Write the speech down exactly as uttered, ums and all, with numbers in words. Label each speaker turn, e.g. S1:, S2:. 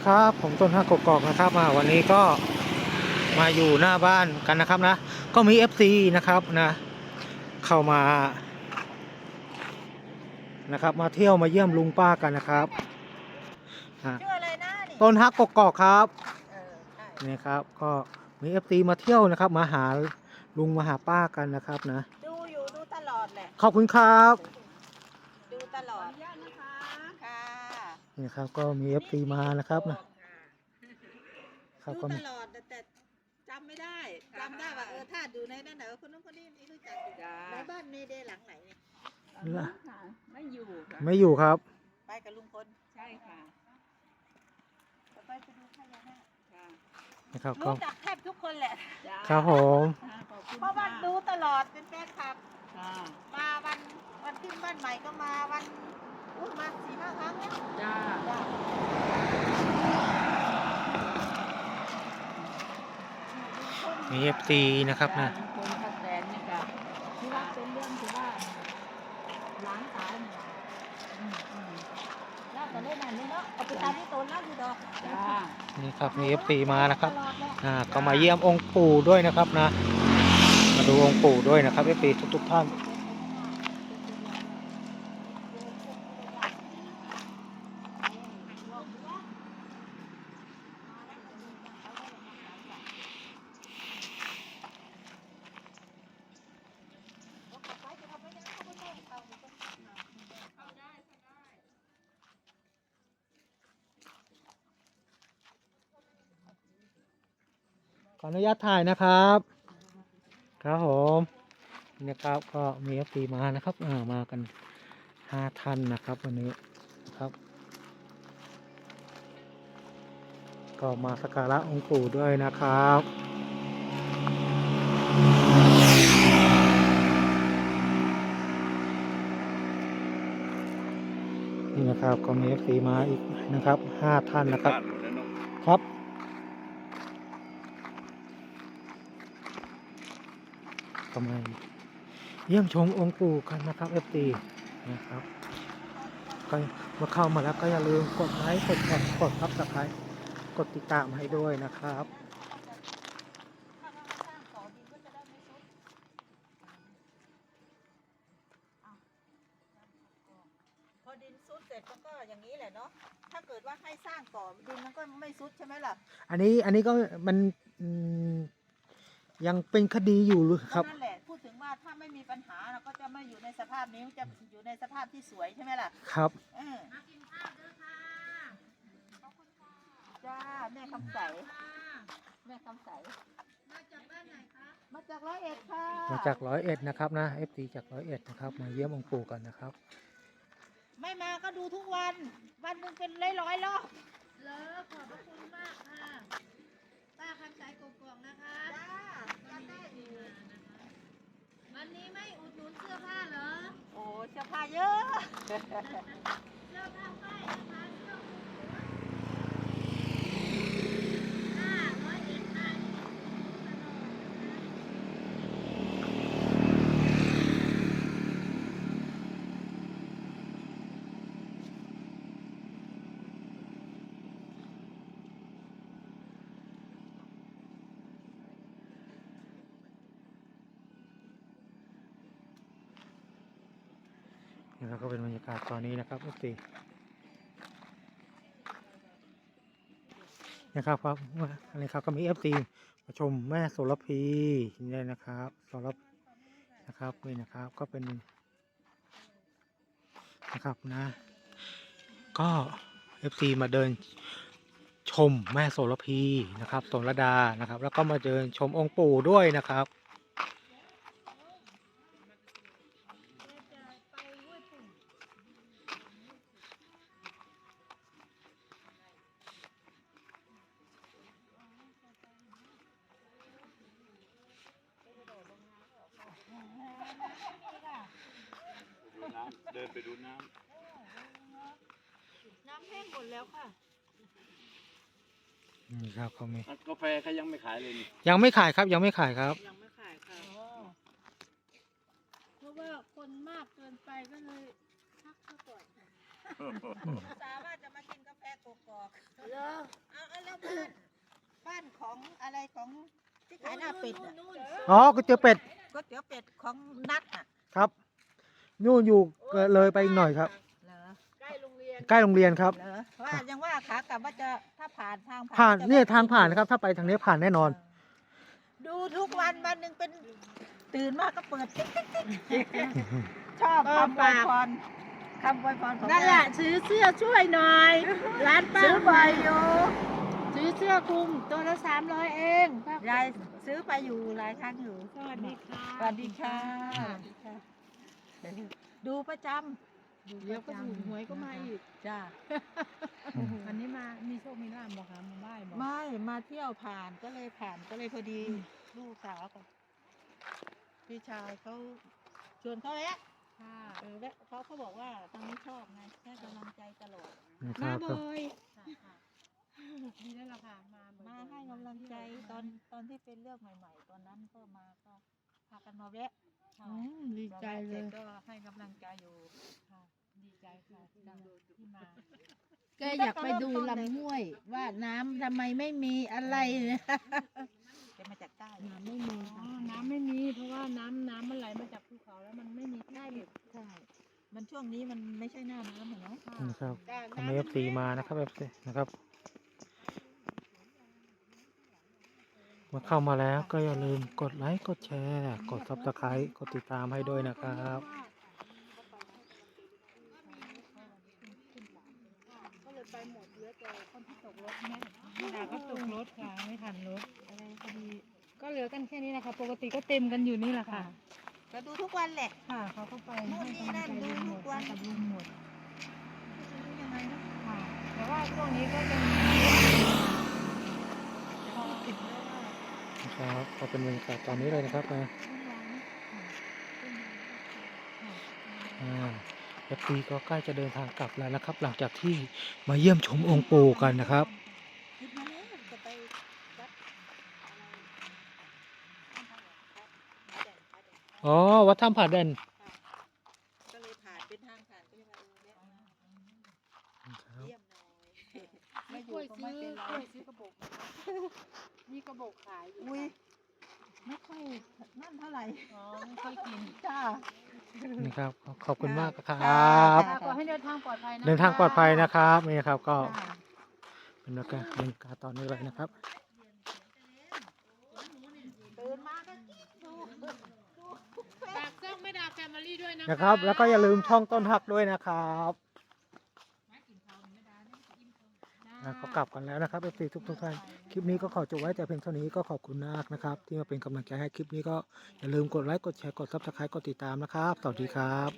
S1: ครับผมต้นฮักกกอกนะครับมาวันนี้ก็มาอยู่หน้าบ้านกันนะครับนะก็มี เอฟ ซี นะครับนะเข้ามานะครับมาเที่ยวมาเยี่ยมลุงป้ากันนะครับ
S2: ชื่ออะไรนะนี่
S1: ต้นฮักกกอกครับ
S2: เออใช่
S1: นี่ครับก็มี เอฟ ซี มาเที่ยวนะครับมาหาลุงมาหาป้ากันนะครับนะ
S2: ดูอยู่ดูตลอดแหละ
S1: ขอบคุณครับ
S2: ดูตลอดนะคะค่ะ
S1: นี่ครับก็มี เอฟ ซี มานะครับนะครั
S2: ดู
S1: บก็
S2: ต
S1: มี
S2: ลอดแต่จำไม่ได้จำได้ว่าเออถ้าดูในนั่นไหนคนนู้นคนนี้นี่รู้จักอยู่ในบ้านเมเดหลังไหนเนี่ย
S3: ไม่อยู่ค่ะ
S1: ไม่อยู่ครับ
S2: ไปกับลุงพล
S3: ใช่ค่ะ
S2: ไปไปดูพญานาค
S3: ค่ะ
S1: นะครับก็
S2: รู้จักแทบทุกคนแหละ
S1: ครับผม
S2: เพราะว่าดูตลอดเป็นแฟนคลับ
S3: ค่ะ
S2: มาวันวันขึ้นบ้านใหม่ก็มาวันอุ้ยมาสี่ห้าครั้งแล้ว
S3: จ้า
S1: มี เอฟ ซี นะครับนะ
S3: คนพักแสนนี่ค่ะที่ว่าเป็นเรื่องที่ว่าล้างสายเนี่ยอืมอืม
S2: แล้วตอนนี้นั่นนี่เนาะเอาไปตามที่โตนแล้วอยู่ดอก
S3: จ้า
S1: นี่ครับมี เอฟ ซี มานะครับอ่าก็มาเยี่ยมองค์ปู่ด้วยนะครับนะมาดูองค์ปู่ด้วยนะครับ เอฟ ซี ทุกๆท่านขออนุญาตถ่ายนะครับครับผมนี่ครับก็มี เอฟ ซี มานะครับอ่ามากันห้าท่านนะครับวันนี้นะครับก็มาสักการะองค์ปู่ด้วยนะครับนี่นะครับก็มี เอฟ ซี มาอีกนะครับห้าท่านนะครับครับก็มาเยี่ยมชมองค์ปู่กันนะครับ เอฟ ซี นะครับก็มาเข้ามาแล้วก็อย่าลืมกดไลค์กดแชร์กดซับสไครบ์กดติดตามให้ด้วยนะครับ
S2: พอดินซุดเสร็จมันก็อย่างนี้แหละเนาะถ้าเกิดว่าให้สร้างก่อนดินมันก็ไม่ซุดใช่ไหมล่ะ
S1: อันนี้อันนี้ก็มันยังเป็นคดีอยู่หรือครับ
S2: นั่นแหละพูดถึงว่าถ้าไม่มีปัญหาเราก็จะไม่อยู่ในสภาพนี้จะอยู่ในสภาพที่สวยใช่ไหมล่ะ
S1: ครับ
S2: เออมากินข้าวด้วยค่ะจ้าแม่คำใสแม่คำใสมาจากบ้านไหนคะมาจากร้อยเอ็ดค่ะ
S1: มาจากร้อยเอ็ดนะครับนะ เอฟ ซี จากร้อยเอ็ดนะครับมาเยี่ยมองค์ปู่กันนะครับ
S2: ไม่มาก็ดูทุกวันวันหนึ่งเป็นร้อยร้อยรอบ
S4: เลอขอบพระคุณมากค่ะป้าคำสายกกอกนะคะ
S2: จ้าจำได้อยู่
S4: วันนี้ไม่อุดหนุนเสื้อผ้าเหรอ
S2: โอ้เสื้อผ้าเยอะ
S4: เสื้อผ้าป้ายนะคะเสื้อห้าร้อยเอ็ดห้า
S1: นี่ก็เป็นบรรยากาศตอนนี้นะครับ เอฟ ซี นะครับครับอะไรครับก็มี เอฟ ซี มาชมแม่โสระพีนี่นะครับโสระนะครับนี่นะครับก็เป็นนะครับนะก็ เอฟ ซี มาเดินชมแม่โสระพีนะครับโสระดานะครับแล้วก็มาเดินชมองค์ปู่ด้วยนะครับ
S5: เดินไปดูน้ำ
S2: น้ำแห้งหมดแล้วค่ะ
S1: นี่ครับเขามี
S5: กาแฟเขายังไม่ขายเลยนี่
S1: ยังไม่ขายครับยังไม่ขายครับ
S2: ยังไม่ขายค่ะ
S4: เพราะว่าคนมากเกินไปก็เลยพักซะก่อน
S1: อืม
S2: สามารถจะมากินกาแฟกกอก
S4: เหรอ
S2: ๆเอาเอาแล้วบ้านบ้านของอะไรของที่ขายหน้าเป็ดอะ
S4: นู่น
S1: อ๋อก๋วยเตี๋ยวเป็ด
S2: ก๋วยเตี๋ยวเป็ดของนัดอ่ะ
S1: ครับนู่นอยู่เลยไปอีกหน่อยครับ
S2: เหรอ
S4: ใกล้โรงเรียน
S1: ใกล้โรงเรียนครับ
S2: เหรอว่ายังว่าขากลับว่าจะถ้าผ่านทาง
S1: ผ่าน
S2: จะ
S1: เนี่ย
S2: แวะ
S1: ทางผ่านนะครับ ถ้าไปทางนี้ผ่านแน่นอน
S2: ดูทุกวันวันหนึ่งเป็นตื่นมาก็เปิดติ๊กติ๊กติ๊กชอบคำอวยพรคำอวยพรของ
S4: นั่นแหละซื้อเสื้อช่วยหน่อย ร้านป้า
S2: ซื้อบ่อยอยู่
S4: ซื้อเสื้อคลุมตัวละสามร้อยเองป้าย
S2: ายซื้อไปอยู่หลายครั้งอยู่
S4: สวัสดีค่ะ
S2: สวัสดีค่ะสวัสดีค่ะ ดูประจ
S4: เดี๋ยวก็ถูกหวยก็มาอีก
S2: ำจ้า
S3: วันนี้มามีโชคมีลาภบอกค่ะมาไหว้บอก
S2: ไม่มาเที่ยวผ่านก็เลยผ่านก็เลยพอดีลูกสาวกับพี่ชายเขาชวนเขาแวะ
S3: ค่ะ
S2: เออแวะเขาเขาบอกว่าทางนี้ชอบไงให้กำลังใจตลอด
S1: นะค
S4: มา
S1: รับ
S4: บ่อย
S3: ค่ะค่ะดีแล้วล่ะค่ะมาบ่อยๆ
S2: มาให้กำลังใจตอนตอนที่เป็นเรื่องใหม่ ๆ ตอนนั้นก็มาก็พากันมาแวะ
S3: ค่ะ
S4: อืมดีใจเลย
S2: พอแวะสร็จก็ให้กำลังใจอยู่
S3: ค่ะดีใจค่ะที่ที่มา
S4: แกอยากไปดูลำห้วย ว่าน้ำทำไมไม่มีอะไรเนี่ย
S2: จะมาจากใต้
S4: น้ำไม่มี
S3: อ๋อ
S4: ค่ะ
S3: น้ำไม่มีเพราะว่าน้ำน้ำมันไหลมาจากภูเขาแล้วมันไม่มีที่
S2: ใช่
S3: เก็บ
S2: ใช่มันช่วงนี้มันไม่ใช่หน้าน้ำอะเนาะ
S1: นะครับ
S4: จ้ะ
S1: ทำไมเอฟซีมานะครับเอฟซีนะครับมาเข้ามาแล้วก็อย่าลืมกดไลค์กดแชร์ กดซับสไครต์กดติดตามให้ด้วยนะครับ
S3: ก็เลยไปหมดเหลือแต่คนที่ตกรถแม่แม่ดาก็ตกรถค่ะไม่ทันรถอะไรพอดีก็เหลือกันแค่นี้นะคะปกติก็เต็มกันอยู่นี่แหละค่ะ
S2: ก็ดูทุกวันแหละ
S3: ค่ะเขาก็ไป
S2: นู่น
S3: ให้
S2: นี่
S3: กำลั
S2: นั่
S3: ง
S2: น
S3: ใจ
S2: ดู
S3: ลุงหม
S2: ทุ
S3: ด
S2: กวัน
S3: กับลุงหมด
S2: ดูยังไงนะ
S3: ค่ะแต่ว่าช่วงนี้ก็ยัง
S2: จะพูดถึงแล้วว่า
S1: นะครับก็เป็นบรรยากาศตอนนี้เลยนะครับนะอ่าเอฟซีก็ใกล้จะเดินทางกลับแล้วนะครับ หลังจากที่มาเยี่ยมชมองค์ปู่กันนะครับ
S2: คิดมาแล้วจะไปวัดอะไรท่านพระครับพระแดงพระแดง
S1: อ๋อวัดถ้ำผาแดน
S2: ก็เลยผ่านเป็นทางผ่านก็เลยมาเออแวะมาเยี่ยมหน่อยไม่อก
S3: ล้
S2: ยู่
S3: วย
S2: ก็
S3: ซื้
S2: ไม่
S3: อ
S2: เป็นไร
S3: กล้วยซื้อกระบอกมีกระบอกขายอยู่
S2: อุ้ย
S3: ค่ะ
S2: ไม่ค่อยนั่นเท่าไหร่
S3: อ๋อไม่ค่อยกิน
S2: จ้า
S1: นี่ครับขอบคุณมากค
S2: ครั
S1: รับ
S2: บ
S3: ขอให้เดินทางปลอดภัยนะ
S1: เดินทางปลอดภัยนะครับนี่ครับก็
S2: จ้า
S1: เป็นบรรยากาศบรรยากาศตอนนี้เลยนะครับ
S2: ตื่นมาก็ดูดู
S3: ฝากช่องไม่ดาแฟมิลี่ด้วยนะ
S1: นะครับ แล้วก็อย่าลืมช่องต้นหักด้วยนะครับอ่ะเขากลับกันแล้วนะครับเอฟซีทุกทุกๆท่านคลิปนี้ก็ขอจบไว้แต่เพียงเท่านี้ก็ขอบคุณมากนะครับ ที่มาเป็นกำลังใจให้คลิปนี้ก็อย่าลืมกดไลค์กดแชร์กดซับสไครต์กดติดตามนะครับสวัสดีครับ